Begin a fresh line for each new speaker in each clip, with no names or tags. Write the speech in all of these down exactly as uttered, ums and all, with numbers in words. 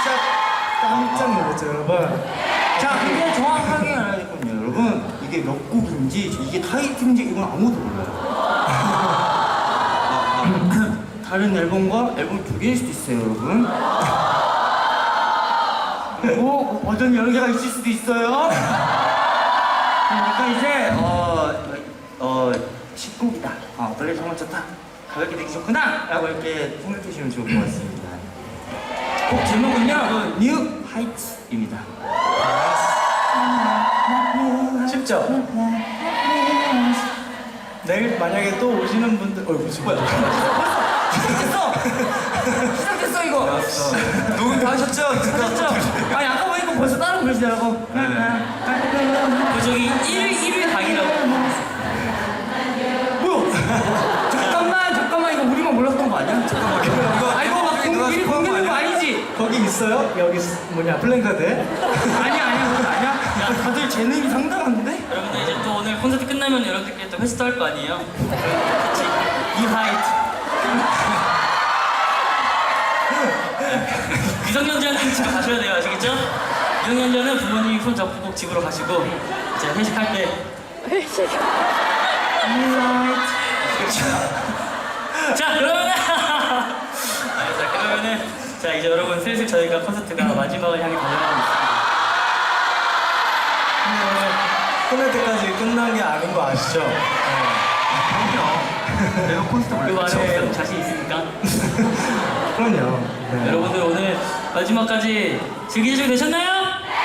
진짜 깜짝 놀랐죠, 여러분.
자, 근데 정확하게 알아야겠거든요, 여러분. 이게 몇 곡인지, 이게 타이틀인지 이건 아무도 몰라요. 아, 아, 다른 앨범과 앨범 두 개일 수도 있어요, 여러분. 그리고 버전 여러 개가 있을 수도 있어요. 그러니까 이제 어, 어, 십 곡이다. 어, 노래 정말 좋다. 가볍게 되기 좋구나. 라고 이렇게 생각해 주시면 좋을 것 같습니다. 곡 제목은요, New Heights입니다.
쉽죠? 내일 만약에 또 오시는 분들, 어, 무슨 뭐야?
시작됐어! 시작됐어, 이거!
녹음 다 하셨죠?
하셨죠? 아니, 아까 보니까 벌써 따라 부르시더라고.
그 저기 일 일 강의라고.
뭐야? 잠깐만, 잠깐만, 이거 우리만 몰랐던 거 아니야? 잠깐만.
이거
아, 이거 막
누가
미리
스포한 거
공개된 거
아니야?
아니지?
거기 있어요? 여기 쓰- 뭐냐, 플랜카드에?
아니야, 아니야, 그거 아니야? 야, 다들 재능이 상당한데?
여러분들 이제 또 오늘 콘서트 끝나면 여러분들끼리 또 회식도 할 거 아니에요? 같이 이 하이트. 미성년자는 집에 가셔야 돼요, 아시겠죠? 미성년자는 부모님이 손 잡고 꼭 집으로 가시고 이제 회식할 때 회식. 자, 그러면은 알겠어. 그러면은 자 이제 여러분 슬슬 저희가 콘서트가 마지막을 향해 달려가고 있습니다.
끝날 때까지 끝난 게 아닌 거 아시죠?
그럼요. 내가 콘서트
그
올렸지.
말에 없 자신 있습니까?
그럼요. 네.
여러분들 오늘 마지막까지 즐기시게 되셨나요?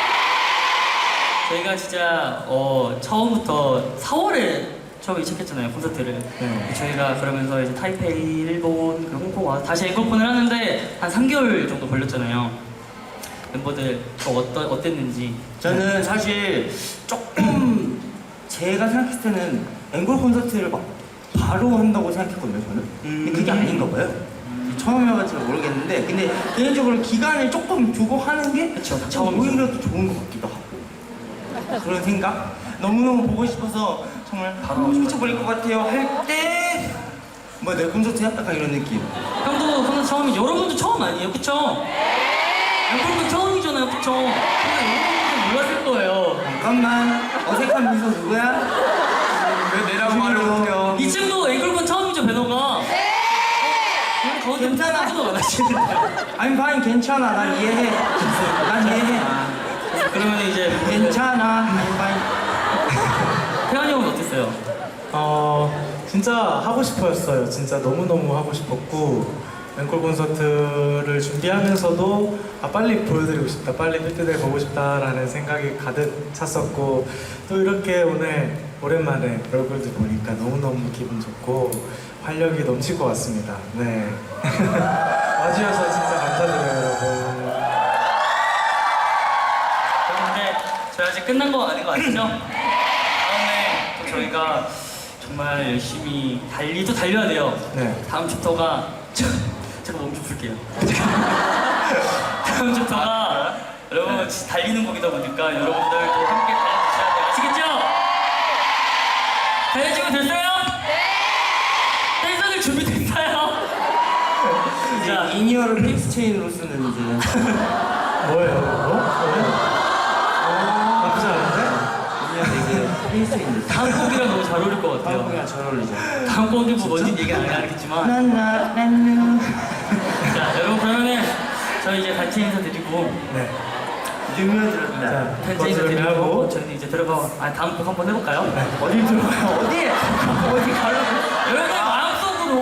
저희가 진짜 어, 처음부터 사월에 처음에 시작했잖아요, 콘서트를.
네.
저희가 그러면서 이제 타이페이, 일본, 그리고 홍콩 와서 다시 앵콜콘을 하는데 한 삼 개월 정도 걸렸잖아요. 멤버들 또 어떠, 어땠는지.
저는 사실 조금 제가 생각했을 때는 앵콜 콘서트를 막 바로 한다고 생각했거든요, 저는. 근데 그게 아닌가 봐요. 처음이어가지고 모르겠는데, 근데 개인적으로 기간을 조금 두고 하는 게
그쵸, 다
처음
처음이죠.
오히려 더 좋은 것 같기도 하고. 그런 생각? 너무너무 보고 싶어서 정말 바로 미쳐버릴 것 같아요 할 때, 뭐 내 콘서트야? 약간 이런 느낌.
형도 콘서트 처음이죠. 여러분도 처음 아니에요, 그쵸? 앵콜콘 처음이잖아요, 그쵸? 근데 여러분들 몰랐을 거예요.
잠깐만, 어색한 미소 누구야?
왜 내라고 말을 못해요? 이 친구 앵콜콘 처음이죠, 배너가? 네! 거기서
괜찮아.
하지도 안 하시는데.
I'm fine, 괜찮아. 난 이해해. 난 이해해.
그러면 이제
괜찮아. I'm fine.
태환이 형은 어땠어요?
어, 진짜 하고 싶었어요. 진짜 너무너무 하고 싶었고, 앵콜 콘서트를 준비하면서도 아, 빨리 보여드리고 싶다, 빨리 삐뚤들 보고 싶다라는 생각이 가득 찼었고, 또 이렇게 오늘 오랜만에 얼굴들 보니까 너무너무 기분 좋고 활력이 넘칠 것 같습니다. 네. 와주셔서 진짜 감사드려요, 여러분.
근데 저희 아직 끝난 거 아닌 거 아시죠? 다음에 또 저희가 정말 열심히 달리도 달려야 돼요.
네.
다음 챕터가 저, 잠깐 몸 좀 풀게요. 다음 챕터가 여러분 진짜 달리는 곡이다 보니까 여러분들도 함께 달려주셔야 돼요. 아시겠죠? 달려주면 됐어요? 네! 댄서들 준비됐어요? 자,
이제 인이어를 픽스 체인으로 쓰는 이제.
뭐예요, 이거? 어, 나쁘지 않은데?
인이어를 이제 픽스 체인.
다음 곡이랑 너무 잘 어울릴 것 같아요.
한국이랑 잘 어울리죠.
다음 곡이 뭐 뭔지 얘기 안 하겠지만
나나나누.
자 여러분 그러면은 저희 이제 단체 인사드리고
네.
유명해졌다.
자,
단체 인사드리고
하고
저희는 이제 들어가 아 다음 곡 한번 해볼까요?
어디 들어가요? 어디? 어디 가려고?
여러분들 마음속으로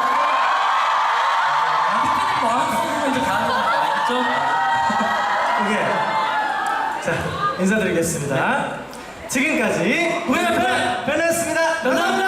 삐삐들 마음속으로 이제 가는 거 알겠죠?
오케이. 자, 인사드리겠습니다. 지금까지
우리가 편!
변했습니다.
감사합니다.